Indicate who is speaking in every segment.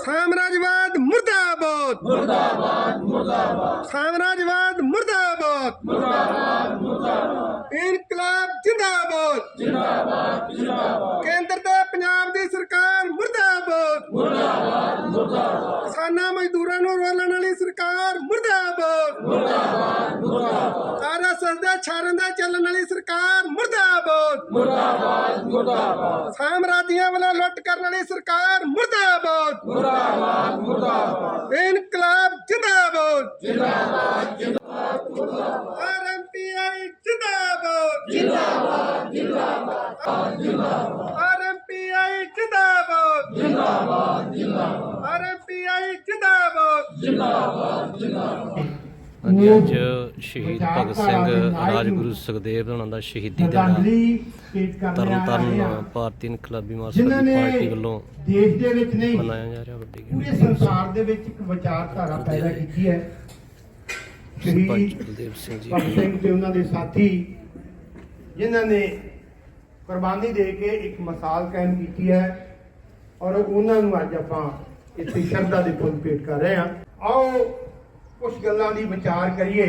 Speaker 1: साम्राज्यवाद मुर्दाबाद मुर्दाबाद मुर्दाबाद साम्राज्यवाद मुर्दाबाद मुर्दाबाद मुर्दाबाद इनकलाब जिंदाबाद जिंदाबाद जिंदाबाद केंद्र ते पंजाब दी सरकार मुर्दाबाद मुर्दाबाद मुर्दाबाद किसानां मजदूरां नूं रोलण वाली सरकार मुर्दाबाद मुर्दाबाद मुर्दाबाद आरएसएस दे छारण दा चलण वाली सरकार मुर्दाबाद मुर्दाबाद मुर्दाबाद साम्राज्यवादियां वाला लुट करन वाली सरकार मुर्दाबाद मुर्दाबाद मुर्दाबाद इनकलाब जिंदाबाद जिंदाबाद जिंदाबाद आरएमपीआई जिंदाबाद जिंदाबाद जिंदाबाद जिंदाबाद आरएमपीआई जिंदाबाद जिंदाबाद जिंदाबाद आरएमपीआई जिंदाबाद जिंदाबाद जिंदाबाद
Speaker 2: ਹਾਂਜੀ ਅੱਜ ਸ਼ਹੀਦ ਭਗਤ ਸਿੰਘ ਰਾਜਗੁਰੂ ਸੁਖਦੇਵ ਉਹਨਾਂ ਦਾ ਸ਼ਹੀਦੀ ਦਿਹਾੜਾ ਤਰਨਤਾਰਨ ਭਾਰਤੀ ਇਨਕਲਾਬੀ ਮਾਰਕਸਵਾਦੀ ਪਾਰਟੀ ਵੱਲੋਂ
Speaker 3: ਦੇਸ਼ ਦੇ ਵਿੱਚ ਨਹੀਂ
Speaker 2: ਮਨਾਇਆ ਜਾ ਰਿਹਾ ਵੱਡੀ
Speaker 3: ਪੂਰੇ ਸੰਸਾਰ ਦੇ ਵਿੱਚ ਇੱਕ ਵਿਚਾਰਧਾਰਾ ਪੈਦਾ ਕੀਤੀ ਹੈ। ਸ਼ਹੀਦ
Speaker 2: ਬਲਦੇਵ ਸਿੰਘ ਜੀ
Speaker 3: ਭਗਤ ਸਿੰਘ ਤੇ ਉਹਨਾਂ ਦੇ ਸਾਥੀ ਜਿਨ੍ਹਾਂ ਨੇ ਕੁਰਬਾਨੀ ਦੇ ਕੇ ਇੱਕ ਮਿਸਾਲ ਕਾਇਮ ਕੀਤੀ ਹੈ ਔਰ ਉਹਨਾਂ ਨੂੰ ਅੱਜ ਆਪਾਂ ਇੱਥੇ ਸ਼ਰਧਾ ਦੇ ਫੁੱਲ ਭੇਟ ਕਰ ਰਹੇ ਹਾਂ। ਆਓ ਕੁਝ ਗੱਲਾਂ ਦੀ ਵਿਚਾਰ ਕਰੀਏ।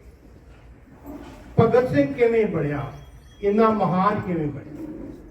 Speaker 3: ਭਗਤ ਸਿੰਘ ਕਿਵੇਂ ਬਣਿਆ, ਇੰਨਾ ਮਹਾਨ ਕਿਵੇਂ ਬਣਿਆ?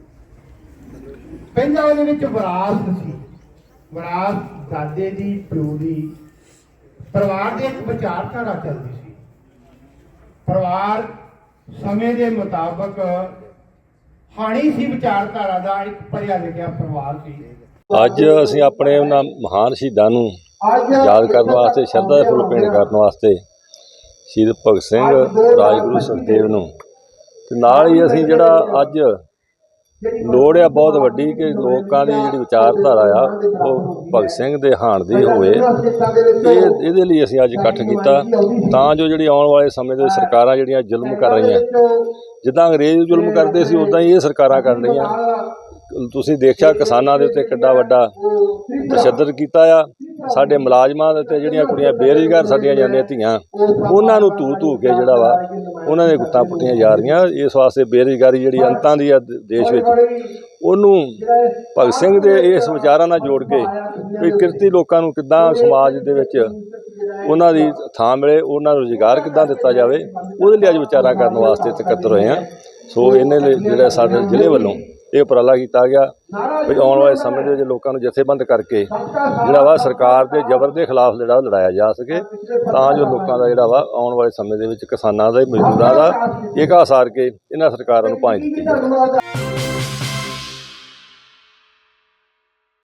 Speaker 3: ਪਹਿਲਾਂ ਉਹਦੇ ਵਿੱਚ ਵਿਰਾਸਤ ਸੀ, ਵਿਰਾਸਤ ਦਾਦੇ ਦੀ, ਪਿਓ ਦੀ, ਪਰਿਵਾਰ ਦੇ ਇੱਕ ਵਿਚਾਰਧਾਰਾ ਚੱਲਦੀ ਸੀ। ਪਰਿਵਾਰ ਸਮੇਂ ਦੇ ਮੁਤਾਬਕ ਹਾਣੀ ਸੀ, ਵਿਚਾਰਧਾਰਾ ਦਾ ਇੱਕ ਪੜ੍ਹਿਆ ਲਿਖਿਆ ਪਰਿਵਾਰ ਸੀ।
Speaker 4: ਅੱਜ ਅਸੀਂ ਆਪਣੇ ਉਹਨਾਂ ਮਹਾਨ ਸ਼ਹੀਦਾਂ ਨੂੰ ਯਾਦ ਕਰਨ ਵਾਸਤੇ, ਸ਼ਰਧਾ ਦੇ ਫੁੱਲ ਭੇਟ ਕਰਨ ਵਾਸਤੇ ਸ਼ਹੀਦ ਭਗਤ ਸਿੰਘ ਰਾਜਗੁਰੂ ਸੁਖਦੇਵ ਨੂੰ ਤੇ ਨਾਲ ਹੀ ਅਸੀਂ ਜਿਹੜਾ ਅੱਜ ਲੋੜ ਆ ਬਹੁਤ ਵੱਡੀ ਕਿ ਲੋਕਾਂ ਦੀ ਜਿਹੜੀ ਵਿਚਾਰਧਾਰਾ ਆ ਉਹ ਭਗਤ ਸਿੰਘ ਦੇ ਹਾਣ ਦੀ ਹੋਵੇ, ਇਹਦੇ ਲਈ ਅਸੀਂ ਅੱਜ ਇਕੱਠ ਕੀਤਾ ਤਾਂ ਜੋ ਜਿਹੜੀ ਆਉਣ ਵਾਲੇ ਸਮੇਂ ਦੇ ਸਰਕਾਰਾਂ ਜਿਹੜੀਆਂ ਜ਼ੁਲਮ ਕਰ ਰਹੀਆਂ, ਜਿੱਦਾਂ ਅੰਗਰੇਜ਼ ਜ਼ੁਲਮ ਕਰਦੇ ਸੀ ਉੱਦਾਂ ਹੀ ਇਹ ਸਰਕਾਰਾਂ ਕਰ ਰਹੀਆਂ। ਤੁਸੀਂ ਦੇਖਿਆ ਕਿਸਾਨਾਂ ਦੇ ਉੱਤੇ ਕਿੱਡਾ ਵੱਡਾ ਤਸ਼ੱਦਦ ਕੀਤਾ ਆ, ਸਾਡੇ ਮੁਲਾਜ਼ਮਾਂ ਦੇ ਉੱਤੇ ਜਿਹੜੀਆਂ ਕੁੜੀਆਂ ਬੇਰੁਜ਼ਗਾਰ ਸਾਡੀਆਂ ਜਾਂਦੀਆਂ ਧੀਆਂ, ਉਹਨਾਂ ਨੂੰ ਧੂ ਕੇ ਜਿਹੜਾ ਵਾ ਉਹਨਾਂ ਦੇ ਗੁੱਤਾਂ ਪੁੱਟੀਆਂ ਜਾ ਰਹੀਆਂ। ਇਸ ਵਾਸਤੇ ਬੇਰੁਜ਼ਗਾਰੀ ਜਿਹੜੀ ਅੰਤਾਂ ਦੀ ਆ ਦੇਸ਼ ਵਿੱਚ, ਉਹਨੂੰ ਭਗਤ ਸਿੰਘ ਦੇ ਇਸ ਵਿਚਾਰਾਂ ਨਾਲ ਜੋੜ ਕੇ ਵੀ ਕਿਰਤੀ ਲੋਕਾਂ ਨੂੰ ਕਿੱਦਾਂ ਸਮਾਜ ਦੇ ਵਿੱਚ ਉਹਨਾਂ ਦੀ ਥਾਂ ਮਿਲੇ, ਉਹਨਾਂ ਨੂੰ ਰੁਜ਼ਗਾਰ ਕਿੱਦਾਂ ਦਿੱਤਾ ਜਾਵੇ, ਉਹਦੇ ਲਈ ਅੱਜ ਵਿਚਾਰਾਂ ਕਰਨ ਵਾਸਤੇ ਇਕੱਤਰ ਹੋਏ ਹਾਂ। ਸੋ ਇਹਨੇ ਲਈ ਜਿਹੜਾ ਸਾਡੇ ਜ਼ਿਲ੍ਹੇ ਵੱਲੋਂ ਇਹ ਉਪਰਾਲਾ ਕੀਤਾ ਗਿਆ ਵੀ ਆਉਣ ਵਾਲੇ ਸਮੇਂ ਦੇ ਵਿੱਚ ਲੋਕਾਂ ਨੂੰ ਜਥੇਬੰਦ ਕਰਕੇ ਜਿਹੜਾ ਵਾ ਸਰਕਾਰ ਦੇ ਜ਼ਬਰ ਦੇ ਖਿਲਾਫ ਜਿਹੜਾ ਲੜਾਇਆ ਜਾ ਸਕੇ, ਤਾਂ ਜੋ ਲੋਕਾਂ ਦਾ ਜਿਹੜਾ ਵਾ ਆਉਣ ਵਾਲੇ ਸਮੇਂ ਦੇ ਵਿੱਚ ਕਿਸਾਨਾਂ ਦਾ, ਮਜ਼ਦੂਰਾਂ ਦਾ ਏਕਾ ਸਾਰ ਕੇ ਇਹਨਾਂ ਸਰਕਾਰਾਂ ਨੂੰ ਭਾਂਜ ਦਿੱਤੀ ਜਾਵੇ।